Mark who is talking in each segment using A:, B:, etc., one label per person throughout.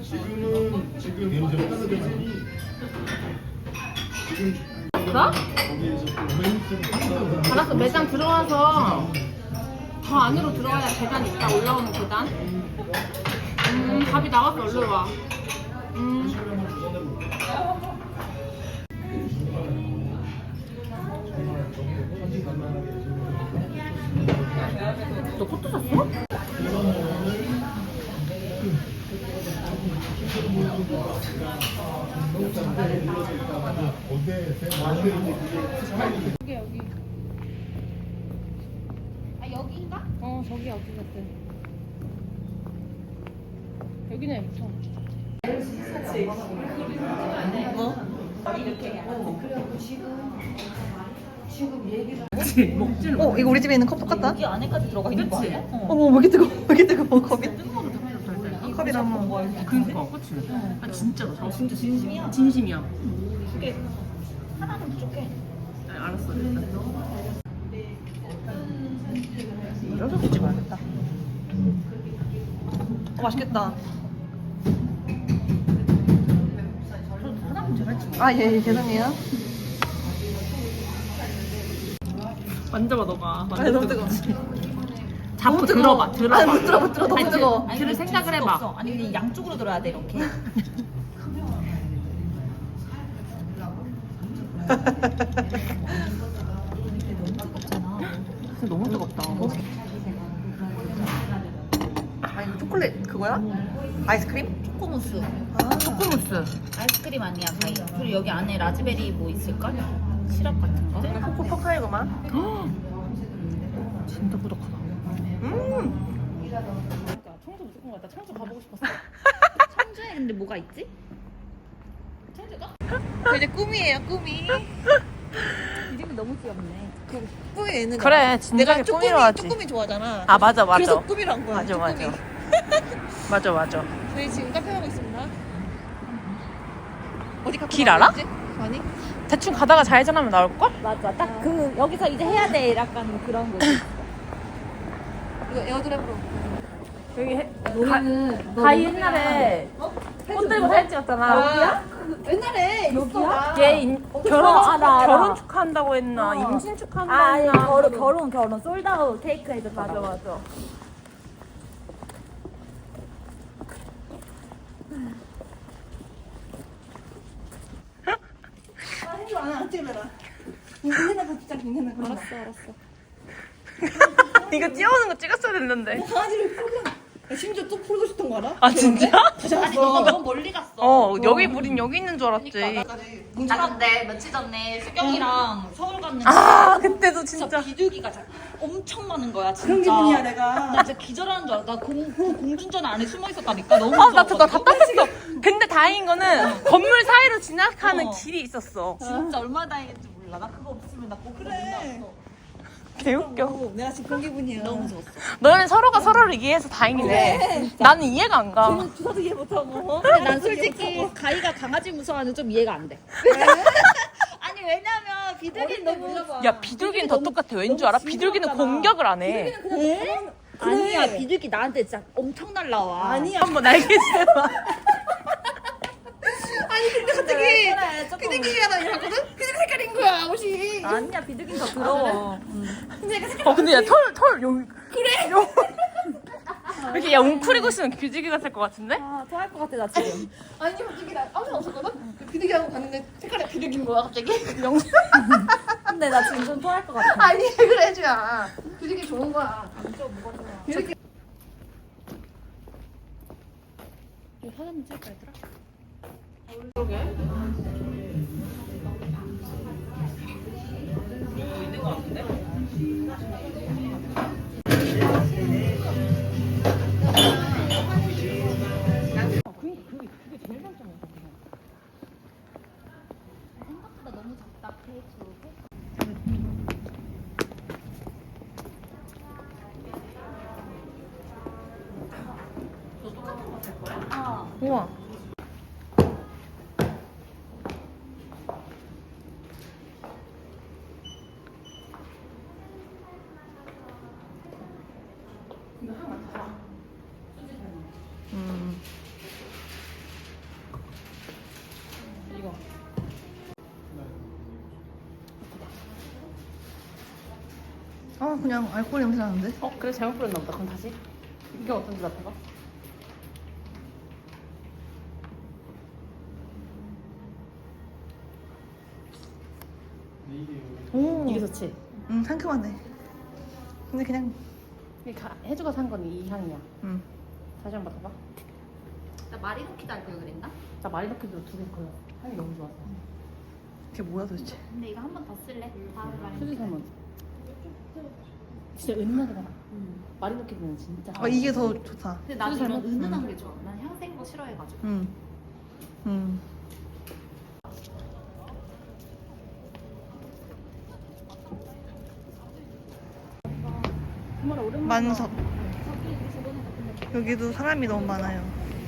A: 나? 알았어, 매장 들어와서 더 안으로 들어가야 계단 있다. 올라오는 계단. 밥이 나왔어. 얼른 와. 너 포토 샀어? 여기. 아, 여기인가? 저기 여기 같아. 여기는 예뻐.
B: 이거 우리 집에 있는 컵 똑같다?
C: 여기 안에까지 들어가 있는 거 아니야?
B: 어머, 왜 이렇게 뜨거워? 왜 이렇게 뜨거워, 컵이? 컵이랑 뭐.
A: 그니까, 그치? 아, 진짜로.
C: 진짜 진심이야?
A: 진심이야.
C: 그게 하나 좀 부족해.
A: 알았어, 일단.
B: 쪄서 주지 말겠다. 맛있겠다. 아, 예, 죄송해요.
A: 만져봐, 너가.
B: 아, 너무 뜨거워.
A: 잡고
B: 너무 뜨거워.
A: 들어봐, 들어봐.
B: 아니, 못 들어, 못 들어. 너무
A: 아니,
B: 뜨거워.
A: 들을 생각을 해봐.
C: 없어. 아니 그냥 양쪽으로 들어야 돼 이렇게.
A: 너무 뜨겁다.
B: 아, 이거 초콜릿 그거야? 아이스크림?
C: 초코무스.
A: 초코무스.
C: 아이스크림 아니야 가이. 그리고 여기 안에 라즈베리 뭐 있을까? 시럽 같은 거?
B: 코코 포카이구만.
A: 진짜 부족하다.
C: 그러니까 청주 무조건 갔다. 청주 가보고 싶었어. 청주에 근데 뭐가 있지? 청주가?
B: 이제 꿈이에요, 꿈이.
C: 이름이 너무 귀엽네.
B: 꿈이 있는 거야.
A: 그래, 진작에 꿈이로 하지.
B: 쪼꾸미 좋아하잖아.
A: 아, 맞아, 맞아.
B: 그래서 꿈이로 한 거야.
A: 맞아, 맞아.
B: 쪼꾸미.
A: 맞아, 맞아.
B: 저희 지금 카페 가고 있습니다. 어디 카페
A: 길
B: 가고
A: 알아?
B: 있지? 아니?
A: 대충 가다가 좌회전하면 나올걸?
C: 맞아. 딱 그 여기서 이제 해야 돼. 약간 그런 거.
B: 이거 에어드랍으로.
A: 여기
C: 너는
A: 가희 옛날에 꽃 들고 사진 찍었잖아.
B: 옛날에 여기야?
A: 얘 결혼,
C: 알아, 알아.
A: 결혼 축하한다고 했나? 임신 축하한다고
C: 아니
A: 했나?
C: 결혼 솔드아웃 케이크 해줬다.
A: 맞아, 맞아.
B: 해줘, 안 찍어라. 인내나 진짜 인내나.
C: 알았어.
A: 이거 뛰어오는 거 찍었어야 됐는데.
B: 강아지를 풀고. 심지어 또 풀고 싶던 거 알아?
A: 아, 진짜?
C: 아니 너가 너무 멀리 갔어.
A: 여기 우린 여기 있는 줄 알았지.
C: 나 근데 며칠 전에 수경이랑 서울 갔는데
A: 아, 그때도
C: 진짜
A: 진짜.
C: 비둘기가 엄청 많은 거야 진짜.
B: 그런 기분이야, 내가.
C: 나 진짜 기절하는 줄 알아. 나 공중전 안에 숨어 있었다니까. 너무
A: 나
C: 무서워가지고.
A: 답답했어. 근데 다행인 거는 건물 사이로 지나가는 길이 있었어.
C: 진짜 얼마나 다행인지 몰라. 나 그거 없으면 나 꼭
B: 그래.
A: 개웃겨.
B: 내가 지금 그런 기분이야.
C: 너무 무서웠어.
A: 너는 서로가 서로를 이해해서 다행이네. 나는 이해가 안 가.
B: 주사도 이해 못하고.
C: 근데 난 솔직히 가희가 강아지 무서워하는 좀 이해가 안 돼. 아니 왜냐면 비둘기 너무
A: 야, 비둘기는 더 똑같아. 왠 줄 알아? 비둘기는 공격을 안 해.
C: 아니야 비둘기 나한테 진짜 엄청 날라와.
B: 아니야.
A: 한번 날개세봐.
B: 아니, 근데 갑자기 비둘기가 나 이러거든? 비둘기 색깔인 거야, 옷이.
C: 아니야 비둘기는 더 더러워.
A: 근데 야, 털, 여기. 그래. 이렇게 야, 웅크리고 있으면 비둘기 같을 것 같은데?
C: 아 토할 것 같아 나 지금.
B: 아니, 갑자기 나 아무 생각 없었거든? 비둘기하고 갔는데 색깔이 비둘기인 거야, 갑자기.
C: 근데 나 지금 좀 토할 것 같아.
B: 아니, 그래, 해줘야. 비둘기 좋은 거야. 비둘기.
C: 이거 사진 한번 찍을까 얘들아? 생각보다 너무 작다 케이크.
A: 우와.
B: 그냥 알코올 냄새 나는데?
A: 그래 잘못 뿌렸나 보다. 그럼 다시. 이게 어떤지 맡아봐.
B: 오.
A: 이게 좋지?
B: 상큼하네. 근데 그냥.
A: 혜주가 산 건 이 향이야. 다시 한번 맡아봐.
C: 나 마리노키도 알 걸 그랬나?
A: 나 마리노키도 2개 걸렸어. 향이 너무 좋았어.
B: 그게 뭐야 도대체?
C: 근데 이거 한 번 더 쓸래? 다음에 마리노키.
A: 수지 살면 진짜 은은하게 달아. 마리노키는 진짜.
B: 이게 더 좋다.
C: 근데 나도
A: 수지
C: 이런
A: 살면?
C: 은은한 게 좋아. 난 향생 거 싫어해가지고.
A: 정말 오랜만에.
B: 만석. 여기도 사람이 너무 많아요.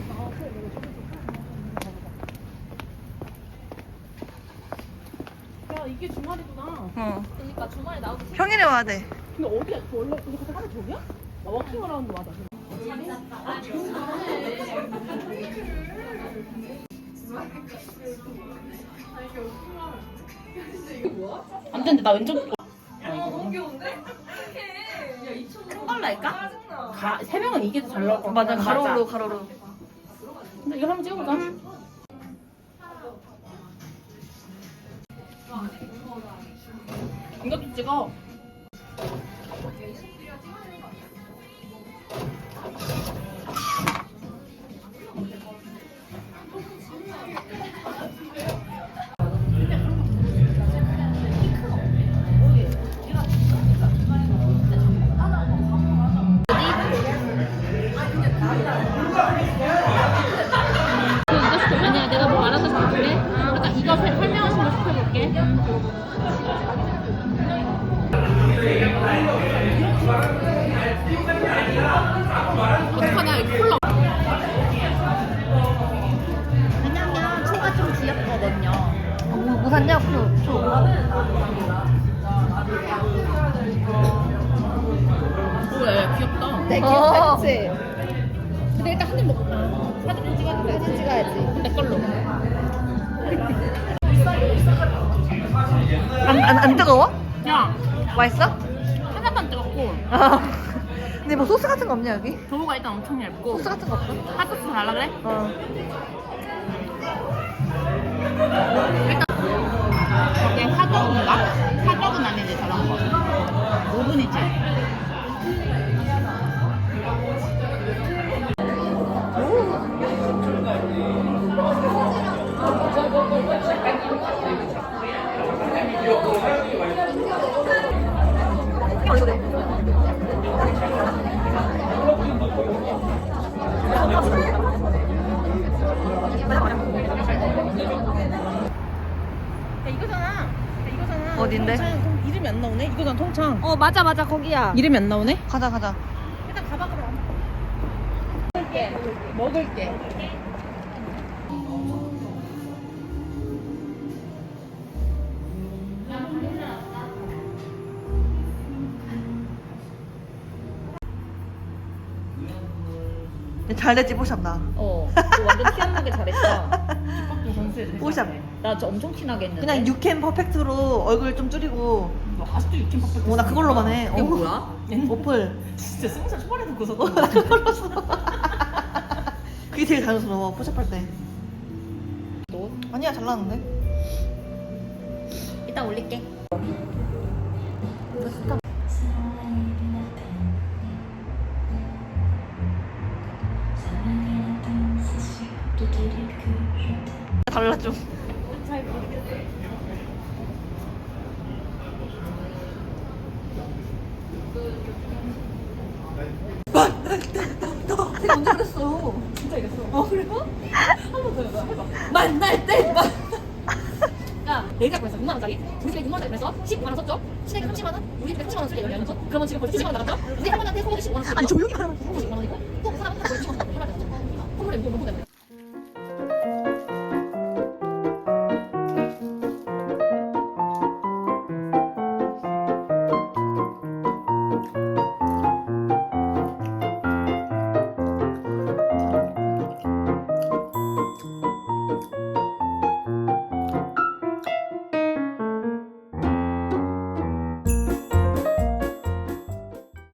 A: 야 이게 주말이구나.
C: 그러니까 주말에 나오기 싫어.
B: 평일에 와야 돼.
A: 근데 어디야? 원래 근데 그때 하루 종이야? 나 워킹 어라운드 맞아. 안 되는데 나 왼쪽.
C: 큰 걸로 할까?
A: 세 명은 이게 더 잘 나올 것 같아.
B: 맞아, 가로로 가로로.
A: 근데 이거 한번 찍어보자. 이것도 찍어. 아니야, 내가 뭐 알아서 볼게. 그러니까 이거 설명하신 거 시켜볼게. 어떡하냐, 이거 콜라.
C: 왜냐면 초가 좀 귀엽거든요.
B: 뭐 샀냐? 초.
A: 왜 귀엽다.
C: 내 귀엽지?
A: 근데 일단 한 입 먹자. 사진 찍어야 돼.
C: 사진 찍어야지.
A: 내 걸로.
B: 안 뜨거워?
A: 야,
B: 맛있어?
A: 하나만 뜨겁고
B: 근데 뭐 소스 같은 거 없냐 여기?
A: 도우가 일단 엄청 얇고
B: 소스 같은 거 없어?
A: 핫소스 달라 그래? 저게 화덕인가? 화덕은 아니지 저런 거. 오븐이지. 이거잖아.
B: 어딘데?
A: 통창. 이름이 안 나오네? 이거잖아 통창.
C: 맞아 거기야.
A: 이름이 안 나오네?
B: 가자.
A: 일단 가봐 그럼. 먹을게.
B: 잘 됐지 뽀샵 나.
C: 너 완전 티 안 나게 잘했다.
B: 뽀샵.
C: 나 진짜 엄청 티나게 했는데.
B: 그냥 유캔 퍼펙트로 얼굴 좀 줄이고.
A: 아직도 육김 팍팍.
B: 나 그걸로만 해.
C: 이게 뭐야?
B: 어플.
A: 진짜 20살 초반에 듣고서.
B: 나 그걸로 써. 그게 제일 자연스러워 뽀샵할 때.
C: 너?
B: 아니야 잘 나왔는데.
C: 이따 올릴게.
B: 달라 좀. 내가 언제 그랬어?
A: 진짜 이랬어.
B: 그래요?
A: 한번 더 해봐.
B: 만날 때.
A: 야, 내가 그랬어. 6만 원짜리. 우리 집에 6만 원짜리 그래서 15만 원 썼죠? 시댁에 30만 원? 우리 집에 30만 원 쓸게 연속 그러면 지금 벌써 70만 원 나갔죠? 우리 할머니한테 소고기 15만 원 쓰고.
B: 아니 조용히 말하면.
A: 15만 원이고 또 그 사람은 다 15만 원 선물을 줬죠. 선물에 뭐 때문에?